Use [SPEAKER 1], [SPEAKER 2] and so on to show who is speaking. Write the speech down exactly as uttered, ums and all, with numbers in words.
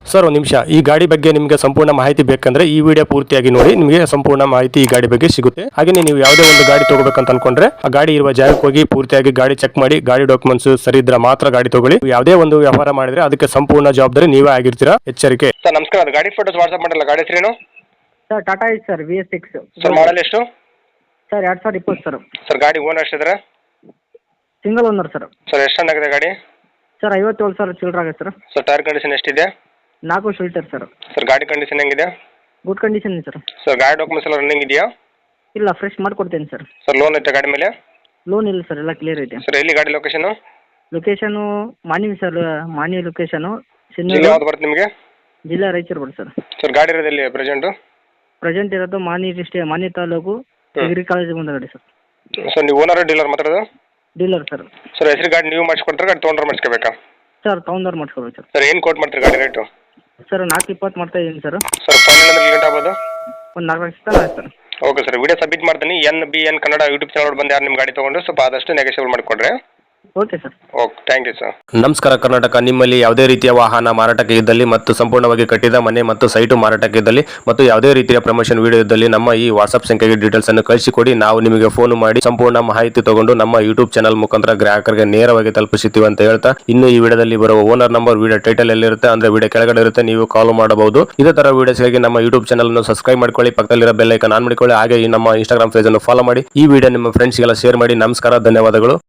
[SPEAKER 1] Sir ಒಂದು ನಿಮಿಷ, ಈ ಗಾಡಿ ಬಗ್ಗೆ ನಿಮಗೆ ಸಂಪೂರ್ಣ ಮಾಹಿತಿ ಬೇಕಂದ್ರೆ ಈ ವಿಡಿಯೋ ಪೂರ್ತಿಯಾಗಿ ನೋಡಿ, ನಿಮಗೆ ಸಂಪೂರ್ಣ ಮಾಹಿತಿ ಈ ಗಾಡಿ ಬಗ್ಗೆ ಸಿಗುತ್ತೆ. ಹಾಗೆ ನೀವು ಯಾವುದೇ ಒಂದು ಗಾಡಿ ತಗೋಬೇಕಂತ ಅನ್ಕೊಂಡ್ರೆ ಆ ಗಾಡಿ ಇರುವ ಜಾಗಕ್ಕೆ ಹೋಗಿ ಪೂರ್ತಿಯಾಗಿ ಗಾಡಿ ಚೆಕ್ ಮಾಡಿ, ಗಾಡಿ ಡಾಕ್ಯುಮೆಂಟ್ಸ್ ಸರಿ ಇದ್ರೆ ಮಾತ್ರ ಗಾಡಿ ತಗೊಳ್ಳಿ. ಯಾವುದೇ ಒಂದು ವ್ಯವಹಾರ ಮಾಡಿದ್ರೆ ಅದಕ್ಕೆ ಸಂಪೂರ್ಣ ಜವಾಬ್ದಾರಿ ನೀವೇ ಆಗಿರ್ತೀರಾ, ಎಚ್ಚರಿಕೆ.
[SPEAKER 2] ಸರ್ ನಮಸ್ಕಾರ, ಅದು ಗಾಡಿ ಫೋಟೋಸ್ ವಾಟ್ಸ್ಆಪ್ ಮಾಡಲ್ಲ. ಗಾಡಿ ಹೆಸರೇನು
[SPEAKER 3] sir? Tata Ace sir, V S six
[SPEAKER 2] sir. Model ಎಷ್ಟು
[SPEAKER 3] ಸರ್? ಎರಡು ಸಾವಿರದ ಇಪ್ಪತ್ತು ಸರ್.
[SPEAKER 2] ಸರ್ ಗಾಡಿ ಓನರ್ ಎಷ್ಟಿದ್ರೆ?
[SPEAKER 3] Single owner sir.
[SPEAKER 2] ಸರ್ ಎಷ್ಟು ಚೆನ್ನಾಗಿದೆ ಗಾಡಿ?
[SPEAKER 3] ಸರ್ ಐವತ್ತೇಳು ಸಾವಿರ ಚಿಲ್ಲರೆ ಆಗುತ್ತೆ ಸರ್.
[SPEAKER 2] ಸರ್ ಟೈರ್ ಕಂಡೀಷನ್ ಎಷ್ಟಿದೆ?
[SPEAKER 3] ನಾಲ್ಕು ಶೀಲ್ಟರ್ ಸರ್.
[SPEAKER 2] ಸರ್ ಗಾಡಿ ಕಂಡೀಷನ್ ಹೆಂಗಿದೆ?
[SPEAKER 3] Good condition sir.
[SPEAKER 2] ಸರ್ ಗಾಡಿ ಡಾಕ್ಯುಮೆಂಟ್ಸ್ ಎಲ್ಲ ರನ್ನಿಂಗ್ ಇದೆಯಾ?
[SPEAKER 3] ಇಲ್ಲ, ಫ್ರೆಶ್ ಮಾಡಿಕೊಡ್ತೇನೆ ಸರ್.
[SPEAKER 2] ಸರ್ ಲೋನ್ ಐತೆ ಗಾಡಿ ಮೇಲೆ?
[SPEAKER 3] ಲೋನ್ ಇಲ್ಲ ಸರ್, ಎಲ್ಲ ಕ್ಲಿಯರ್ ಐತೆ.
[SPEAKER 2] ಸರ್ ಎಲ್ಲಿ ಗಾಡಿ location?
[SPEAKER 3] Location Manvi sir, Manvi location.
[SPEAKER 2] ಜಿಲ್ಲೆ ಯಾವ್ದು ಬರುತ್ತೆ ನಿಮಗೆ?
[SPEAKER 3] ಜಿಲ್ಲಾ ರಾಯಚೂರು ಬರುತ್ತೆ ಸರ್.
[SPEAKER 2] ಸರ್ ಗಾಡಿ ಇರೋದು ಎಲ್ಲಿ ಪ್ರೆಸೆಂಟು?
[SPEAKER 3] ಪ್ರೆಸೆಂಟ್ ಇರೋದು Manvi district, Manvi taluk, degree college ಮುಂದೆ ಸರ್.
[SPEAKER 2] ಸರ್ ನೀವು ಓನರ್ ಡೀಲರ್ ಮಾತಾಡೋದು?
[SPEAKER 3] Dealer sir.
[SPEAKER 2] ಸರ್ ಹೆಸರು ಗಾಡಿ ನೀವು ಮಾಡಿಸ್ಕೊಡ್ತಾರೆ, ಗಾಡಿ ತೊಗೊಂಡ್ರೆ ಮಾಡಿಸ್ಕೋಬೇಕಾ?
[SPEAKER 3] ಸರ್ ತೊಗೊಂಡವ್ರು ಮಾಡಿಸ್ಕೊಬೇಕು ಸರ್.
[SPEAKER 2] ಸರ್ ಏನು ಕೋಟ್ ಮಾಡ್ತೀರಿ ಗಾಡಿ ರೇಟು?
[SPEAKER 3] ಸರ್ ನಾಲ್ಕು ಇಪ್ಪತ್ತು ಮಾಡ್ತಾ ಇದ್ದೀನಿ ಸರ್.
[SPEAKER 2] ಸರ್ ಫೈನಲ್ ಅಂದ್ರೆ ಲೇಟ್ ಆಗ್ಬೋದು?
[SPEAKER 3] ಒಂದು ನಾಲ್ಕು ಲಕ್ಷ ತನಕ ಆಯ್ತು sir.
[SPEAKER 2] Okay sir, video submit ಮಾಡ್ತೀನಿ. N B N Kannada YouTube channel ಬಂದು ಯಾರು ನಿಮ್ಮ ಗಾಡಿ ತೊಗೊಂಡು ಸ್ವಲ್ಪ ಆದಷ್ಟು ನೆಗೆಸಿಬಲ್ ಮಾಡಿಕೊಡ್ರಿ.
[SPEAKER 3] Okay sir.
[SPEAKER 2] Okay, thank you sir.
[SPEAKER 1] ನಮಸ್ಕಾರ ಕರ್ನಾಟಕ. ನಿಮ್ಮಲ್ಲಿ ಯಾವುದೇ ರೀತಿಯ ವಾಹನ ಮಾರಾಟಕ್ಕೆ ಇದ್ದಲ್ಲಿ ಮತ್ತು ಸಂಪೂರ್ಣವಾಗಿ ಕಟ್ಟಿದ ಮನೆ ಮತ್ತು ಸೈಟು ಮಾರಾಟಕ್ಕೆ ಇದ್ದಲ್ಲಿ ಮತ್ತು ಯಾವುದೇ ರೀತಿಯ ಪ್ರಮೋಷನ್ ವಿಡಿಯೋ ಇದ್ದಲ್ಲಿ ನಮ್ಮ ಈ ವಾಟ್ಸ್ಆಪ್ ಸಂಖ್ಯೆಗೆ ಡೀಟೇಲ್ಸ್ ಅನ್ನು ಕಳಿಸಿಕೊಡಿ. ನಾವು ನಿಮಗೆ ಫೋನ್ ಮಾಡಿ ಸಂಪೂರ್ಣ ಮಾಹಿತಿ ತಗೊಂಡು ನಮ್ಮ ಯೂಟ್ಯೂಬ್ ಚಾನಲ್ ಮುಖಾಂತರ ಗ್ರಾಹಕರಿಗೆ ನೇರವಾಗಿ ತಲುಪಿಸುತ್ತೀವಿ ಅಂತ ಹೇಳ್ತಾ, ಇನ್ನು ಈ ವಿಡಿಯೋದಲ್ಲಿ ಬರುವ ಓನರ್ ನಂಬರ್ ವಿಡಿಯೋ ಟೈಟಲ್ ಎಲ್ಲಿರುತ್ತೆ ಅಂದ್ರೆ ವಿಡಿಯೋ ಕೆಳಗಡೆ ಇರುತ್ತೆ, ನೀವು ಕಾಲ್ ಮಾಡಬಹುದು. ಇದೇ ತರ ವಿಡಿಯೋಸ್ಗಾಗಿ ನಮ್ಮ ಯೂಟ್ಯೂಬ್ ಚಾನಲ್ ಅನ್ನು ಸಬ್ಸ್ಕ್ರೈಬ್ ಮಾಡ್ಕೊಳ್ಳಿ, ಪಕ್ಕದಲ್ಲಿರೋ ಬೆಲ್ ಐಕಾನ್ ಆನ್ ಮಾಡಿಕೊಳ್ಳಿ. ಹಾಗೆ ಈ ನಮ್ಮ ಇನ್ಸ್ಟಾಗ್ರಾಮ್ ಪೇಜ್ ಅನ್ನು ಫಾಲೋ ಮಾಡಿ. ಈ ವಿಡಿಯೋ ನಿಮ್ಮ ಫ್ರೆಂಡ್ಸ್ಗೆಲ್ಲ ಶೇರ್ ಮಾಡಿ. ನಮಸ್ಕಾರ, ಧನ್ಯವಾದಗಳು.